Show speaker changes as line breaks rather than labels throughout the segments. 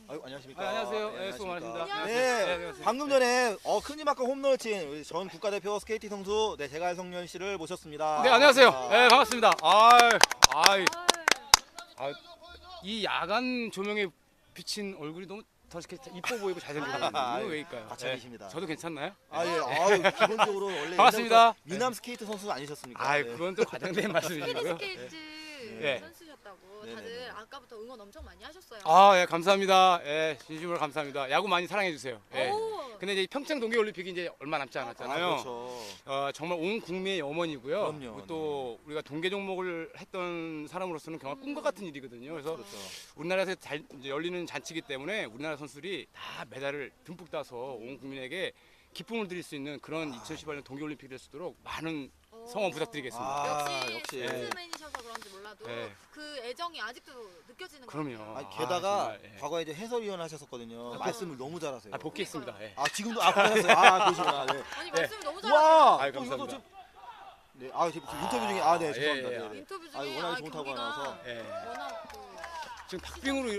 아유, 안녕하십니까.
안녕하세요.
네,
수고
안녕하십니까.
많으십니다.
네,
안녕하세요.
방금 전에 큰지막과 홈런을 친 우리 전 국가대표 스케이팅 선수 제갈성년 씨를 모셨습니다.
네, 안녕하세요.
아,
네, 반갑습니다. 이 야간 조명에 비친 얼굴이 너무 더 이렇게 이뻐 보이고 잘생기고 이거 왜일까요?
과찬이십니다.
저도 괜찮나요?
아, 예. 아유, 기본적으로 원래
반갑습니다.
옛날부터 미남 스케이트 선수 아니셨습니까?
아,
네.
그건 또 과장된 말씀이시고요.
스케이트
네.
선수셨다고
네.
다들
네.
아까부터 응원 엄청 많이 하셨어요.
예, 감사합니다. 예, 진심으로 감사합니다. 야구 많이 사랑해 주세요. 예.
오.
근데 이제 평창 동계 올림픽이 이제 얼마 남지 않았잖아요.
그렇죠.
정말 온 국민의 염원이고요.
그럼요.
그리고 또 우리가 동계 종목을 했던 사람으로서는 정말 꿈과 같은 일이거든요. 그래서
그렇죠.
우리나라에서 이제 열리는 잔치이기 때문에 우리나라 선수들이 다 메달을 듬뿍 따서 온 국민에게 기쁨을 드릴 수 있는 그런 2018년 동계올림픽이 될 수 있도록 많은 성원 부탁드리겠습니다.
역시
역시.
댄스맨이셔서 그런지 몰라도
네.
그 애정이 아직도 느껴지는 것
그럼요.
같아요.
아니, 게다가
정말, 예.
과거에 이제 해설위원 하셨었거든요. 말씀을 너무 잘하세요.
복귀했습니다. 예.
지금도 그러셨어요. 그러시구나. 네.
아니
네.
말씀 너무
와,
잘하세요.
아이,
또 이것도
감사합니다.
좀 네, 지금 인터뷰 중에 네, 죄송합니다.
예, 예.
네, 네.
인터뷰
아유,
중에
워낙에 좋은 타구가
경기가
나와서.
예.
워낙 그
지금 박빙으로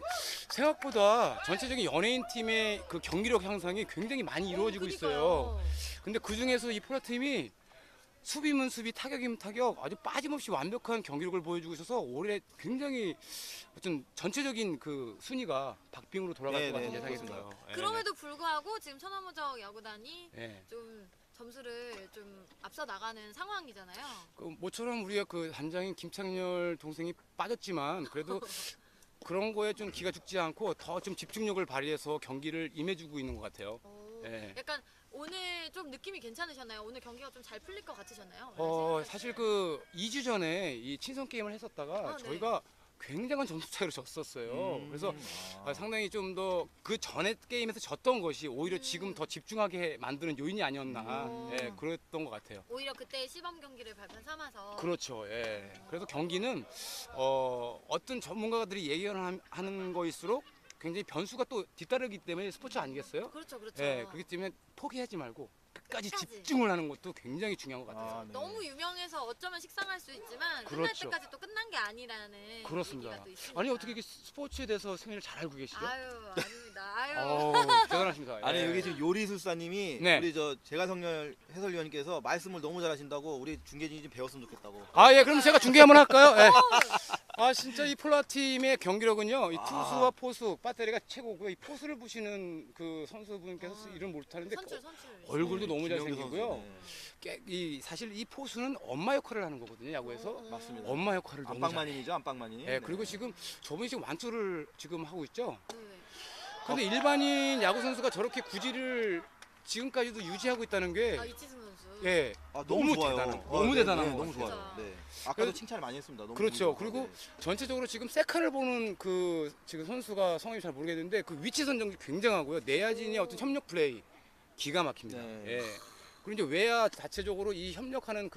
생각보다 전체적인 연예인 팀의 그 경기력 향상이 굉장히 많이 이루어지고 있어요. 근데 그 중에서 이 포라 팀이 수비면 수비, 타격이면 타격 아주 빠짐없이 완벽한 경기력을 보여주고 있어서 올해 굉장히 어떤 전체적인 그 순위가 박빙으로 돌아갈
네,
것 같은
네,
예상이
그렇습니다.
들어요. 예.
그럼에도 불구하고 지금 천하무적 야구단이
예.
좀 점수를 좀 앞서 나가는 상황이잖아요.
그 모처럼 우리가 그 단장인 김창렬 동생이 빠졌지만 그래도 그런 거에 좀 기가 죽지 않고 더 좀 집중력을 발휘해서 경기를 임해주고 있는 것 같아요.
오,
예.
약간 오늘 좀 느낌이 괜찮으셨나요? 오늘 경기가 좀 잘 풀릴 것 같으셨나요?
사실 그 2주 전에 이 친선 게임을 했었다가
네.
저희가 굉장한 점수 차이로 졌었어요. 그래서 상당히 좀 더 그 전에 게임에서 졌던 것이 오히려 지금 더 집중하게 만드는 요인이 아니었나 예, 그랬던 것 같아요.
오히려 그때 시범 경기를 발판 삼아서
그렇죠. 예. 그래서 경기는 어떤 전문가들이 예견하는 거일수록 굉장히 변수가 또 뒤따르기 때문에 스포츠 아니겠어요?
그렇죠, 그렇죠.
예, 그렇기 때문에 포기하지 말고 끝까지
끝까지.
집중을 하는 것도 굉장히 중요한 것 같아요.
네.
너무 유명해서 어쩌면 식상할 수 있지만 끝날
그렇죠.
때까지 또 끝난 게 아니라는
그렇습니다.
얘기가 또 있으니까.
아니 어떻게 이게 스포츠에 대해서 승리를 잘 알고 계시죠?
아유, 아닙니다. 아유.
대단하십니다.
아니,
예.
여기 지금 요리술사님이
네.
우리 제갈성렬 해설위원님께서 말씀을 너무 잘하신다고 우리 중계진이 좀 배웠으면 좋겠다고.
예, 그럼 제가 중계 한번 할까요? 예. 진짜 이 폴라 팀의 경기력은요. 이 투수와 포수, 배터리가 최고고요. 이 포수를 부시는 그 선수분께서 이름 못하는데
선출.
얼굴도 너무
김영규
잘생기고요.
선수,
사실 이 포수는 엄마 역할을 하는 거거든요. 야구에서.
네. 맞습니다.
엄마 역할을 너무 잘해요.
안방마님이죠, 안방마님.
예, 그리고 지금 저분이 지금 완투를 지금 하고 있죠.
네.
근데 일반인 야구 선수가 저렇게 구질을 지금까지도 유지하고 있다는 게
이치승 선수.
예,
너무 좋아요.
너무
네,
대단한
네,
것
너무
같아요.
좋아요. 네. 아까도
그래서-
칭찬을 많이 했습니다. 너무
그렇죠.
좋습니다.
그리고
네.
전체적으로 지금 세카를 보는 그 지금 선수가 성함이 잘 모르겠는데 그 위치 선정이 굉장하고요. 내야진의 어떤 협력 플레이 기가 막힙니다.
네.
예. 그리고 이제 외야 자체적으로 이 협력하는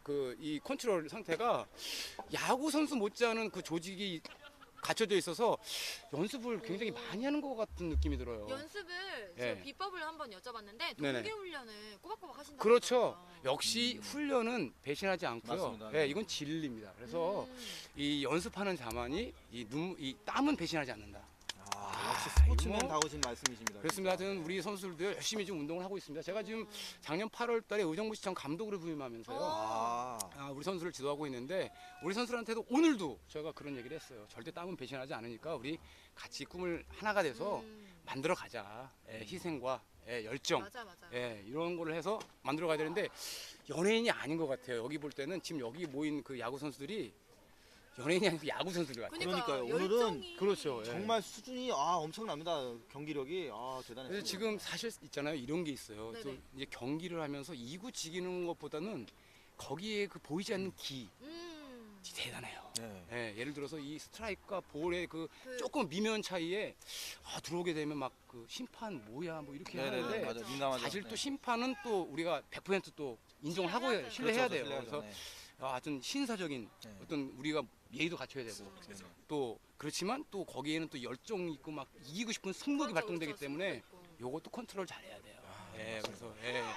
이 컨트롤 상태가 야구 선수 못지않은 그 조직이 갖춰져 있어서 연습을 굉장히 많이 하는 것 같은 느낌이 들어요.
연습을
예.
제가 비법을 한번 여쭤봤는데
네네.
동계 훈련을 꼬박꼬박 하신다고.
그렇죠. 역시 훈련은 배신하지 않고요.
맞습니다.
예, 이건 진리입니다. 그래서 이 연습하는 자만이 이 땀은 배신하지 않는다.
역시 스포츠맨
이거 뭐-
다우신 말씀이십니다.
그렇습니다.
진짜.
하여튼 우리 선수들도 열심히 좀 운동을 하고 있습니다. 제가 지금 작년 8월 달에 의정부시청 감독으로 부임하면서요. 우리 선수를 지도하고 있는데 우리 선수들한테도 오늘도 제가 그런 얘기를 했어요. 절대 땀은 배신하지 않으니까 우리 같이 꿈을 하나가 돼서 만들어 가자. 희생과 열정.
맞아.
이런 거를 해서 만들어 가야 되는데 연예인이 아닌 것 같아요. 여기 볼 때는 지금 여기 모인 그 야구 선수들이 연예인이 아니고 야구 선수들 같아요.
그러니까요. 오늘은
열정이-
그렇죠. 예.
정말 수준이 엄청납니다. 경기력이 대단했어요.
그래서 지금 사실 있잖아요. 이런 게 있어요.
네네.
또 이제 경기를 하면서 이구 지기는 것보다는 거기에 그 보이지 않는 기 대단해요.
네.
예, 예를 들어서 이 스트라이크와 볼의 그 조금 미묘한 차이에 들어오게 되면 막 그 심판 뭐야 뭐 이렇게
네네네,
하는데
맞아. 민감하죠.
사실
네.
또 심판은 또 우리가 100%또 인정을 하고
신뢰해야죠.
신뢰해야
그렇죠,
돼요.
신뢰하죠.
그래서 하여튼 신사적인
네.
어떤 우리가 예의도 갖춰야 되고
네.
또 그렇지만 또 거기에는 또 열정 있고 막 이기고 싶은 승부욕이 발동되기 때문에 요것도 컨트롤 잘해야 돼요. 예, 그래서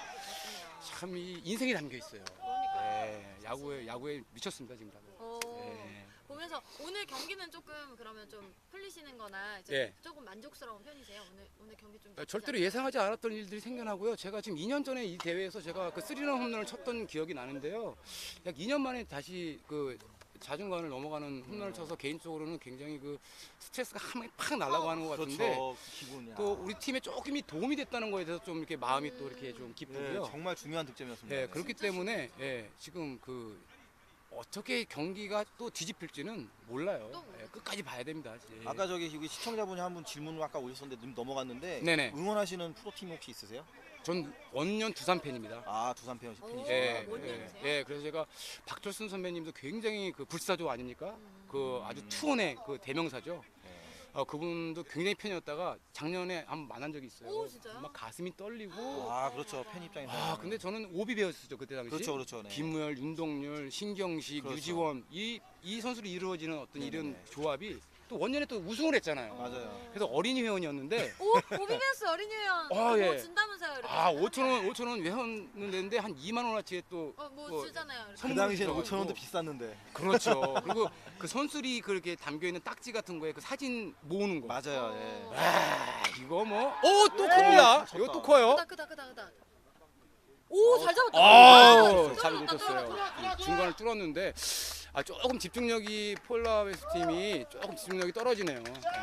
참 이 인생이 담겨 있어요.
그러니까요.
야구에 미쳤습니다 지금 다들. 예.
보면서 오늘 경기는 조금 그러면 좀 풀리시는거나 이제
예.
조금 만족스러운 편이세요? 오늘 경기 좀
절대로 예상하지 않았던 일들이 생겨나고요. 제가 지금 2년 전에 이 대회에서 제가 그 3런 홈런을 쳤던 기억이 나는데요. 약 2년 만에 다시 그 자중간을 넘어가는 홈런을 쳐서 개인적으로는 굉장히 그 스트레스가 한 방에 팍 날아가는 것 같은데
그렇죠. 기분이.
또 우리 팀에 조금이 도움이 됐다는 거에 대해서 좀 이렇게 마음이 또 이렇게 좀 기쁘고요.
정말 중요한 득점이었습니다.
예, 그렇기 때문에 지금 그 어떻게 경기가 또 뒤집힐지는 몰라요.
또
끝까지 봐야 됩니다. 예.
아까 저기 시청자분이 한 분 질문을 아까 오셨었는데 넘어갔는데
네네.
응원하시는 프로팀 혹시 있으세요?
전 원년 두산 팬입니다.
아 두산 팬이시구나.
예,
원년이세요?
그래서 제가 박철순 선배님도 굉장히 그 불사조 아닙니까? 그 아주 투혼의 그 대명사죠. 그분도 굉장히 팬이었다가 작년에 한번 만난 적이 있어요.
오, 진짜요?
막 가슴이 떨리고.
아 그렇죠 팬 입장에서.
근데 저는 오비 배웠었죠 그때 당시.
그렇죠. 네.
김무열, 윤동률, 신경식,
그렇죠.
유지원 이 선수로 이루어지는 어떤 이런
네네네.
조합이 또 원년에 또 우승을 했잖아요.
맞아요.
그래서 어린이 회원이었는데
오, 오비베스 어린이 회원
아, 예.
뭐 준다면서요? 이렇게.
5천 원 회원은 되는데 한 2만 원어치에 또
뭐 주잖아요. 이렇게.
그 당시에는
선물을
5천 원도
주고.
비쌌는데.
그렇죠. 그리고 그 선수리 그렇게 담겨 있는 딱지 같은 거에 그 사진 모으는 거.
맞아요. 예.
이거 뭐? 또 큽니다.
쳤다.
이거 또 커요.
크다. 오, 잘 잡았다.
아우, 잘
뚫었다,
놓쳤어요.
뚫었다.
중간을 뚫었는데 조금 집중력이 폴라웨스 팀이 조금 집중력이 떨어지네요.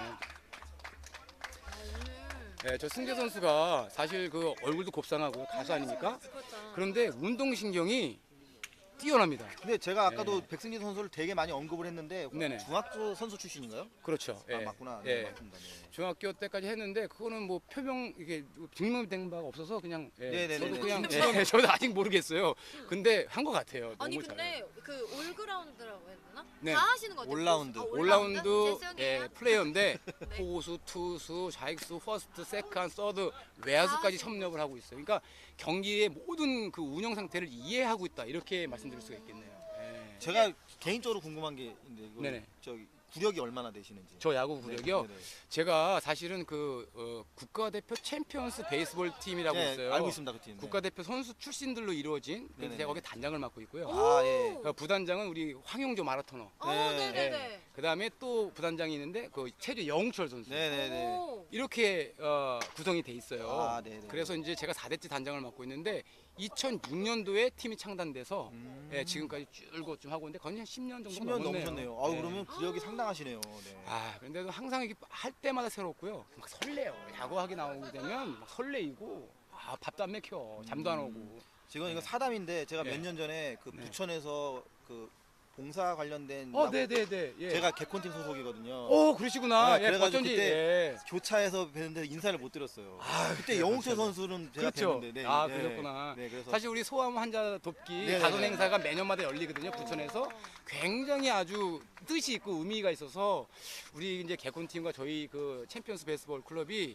오늘
저 승재 선수가 사실 그 얼굴도 곱상하고 가수 아닙니까?
그렇죠.
그런데 운동신경이 뛰어납니다.
근데 제가 아까도 백승기 선수를 되게 많이 언급을 했는데
네네.
중학교 선수 출신인가요?
그렇죠.
아 맞구나.
예.
네, 맞습니다. 네.
중학교 때까지 했는데 그거는 뭐 표명 이게 증명된 바가 없어서 그냥
네네네.
저도 그냥
증명.
저도 아직 모르겠어요. 근데 한 것 같아요.
아니
너무
근데 그 올그라운드라고 해야 되나?
네.
다 하시는 거 같아요.
올라운드.
올라운드
재성이에요?
플레이어인데 포수, 투수, 좌익수, 퍼스트, 세컨, 서드, 외야수까지 섭렵을 하고 있어요. 그러니까 경기의 모든 그 운영 상태를 이해하고 있다 이렇게 말씀드릴 수가 있겠네요.
제가 개인적으로 궁금한 게 있는데 이거
네네.
저기 구력이 얼마나 되시는지.
저 야구 구력이요.
네네.
제가 사실은 그 국가대표 챔피언스 베이스볼 팀이라고
네,
있어요.
알고 있습니다 그 팀. 네.
국가대표 선수 출신들로 이루어진
네네네.
제가 거기 단장을 맡고 있고요.
아 예.
부단장은 우리 황용조 마라토너.
네네네.
그다음에 또 부단장이 있는데 그 체조 영웅철 선수.
네네네.
오.
이렇게 구성이 돼 있어요.
아, 네네.
그래서 이제 제가 4대째 단장을 맡고 있는데 2006년도에 팀이 창단돼서 지금까지 줄곧 좀 하고 있는데 거의 한 10년 정도
10년
넘었네요.
넘으셨네요. 아 그러면 구력이 상당하시네요. 네.
그런데도 항상 이게 할 때마다 새롭고요. 막 설레요. 야구하기 나오게 되면 막 설레이고 밥도 안 먹혀. 잠도 안 오고.
지금 이거 사담인데 제가
네.
몇 년 전에 그
네.
부천에서 그 봉사 관련된 야구-
네네네. 예.
제가 개콘팀 소속이거든요.
그러시구나.
네, 그래가지고
어쩐지.
그때
예.
교차에서 뵀는데 인사를 못 드렸어요. 그때
그래요,
영웅철
맞아요.
선수는 제가
그렇죠.
뵀는데. 네,
그렇구나.
네, 그래서
사실 우리 소아암 환자 돕기
네네네.
가전 행사가 매년마다 열리거든요. 부천에서 굉장히 아주 뜻이 있고 의미가 있어서 우리 이제 개콘팀과 저희 그 챔피언스 베이스볼 클럽이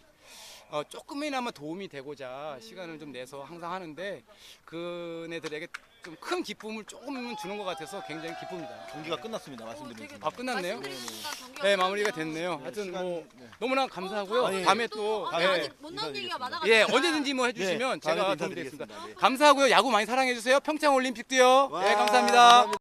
조금이나마 도움이 되고자 시간을 좀 내서 항상 하는데 그네들에게 좀 큰 기쁨을 조금은 주는 것 같아서 굉장히 기쁩니다.
경기가 끝났습니다. 말씀드리는
되게
순간.
끝났네요?
말씀드린 순간 경기가
네, 마무리가
끝났네요.
됐네요.
네,
하여튼
시간-
뭐
네.
너무나 감사하고요.
아, 예.
다음에 또
아니,
예.
아직 못 나온 얘기가 많아가지고.
예, 언제든지 뭐 해주시면
네, 다음에
제가
또
도움드리겠습니다.
인사드리겠습니다. 네.
감사하고요. 야구 많이 사랑해 주세요. 평창 올림픽도요.
와,
네, 감사합니다.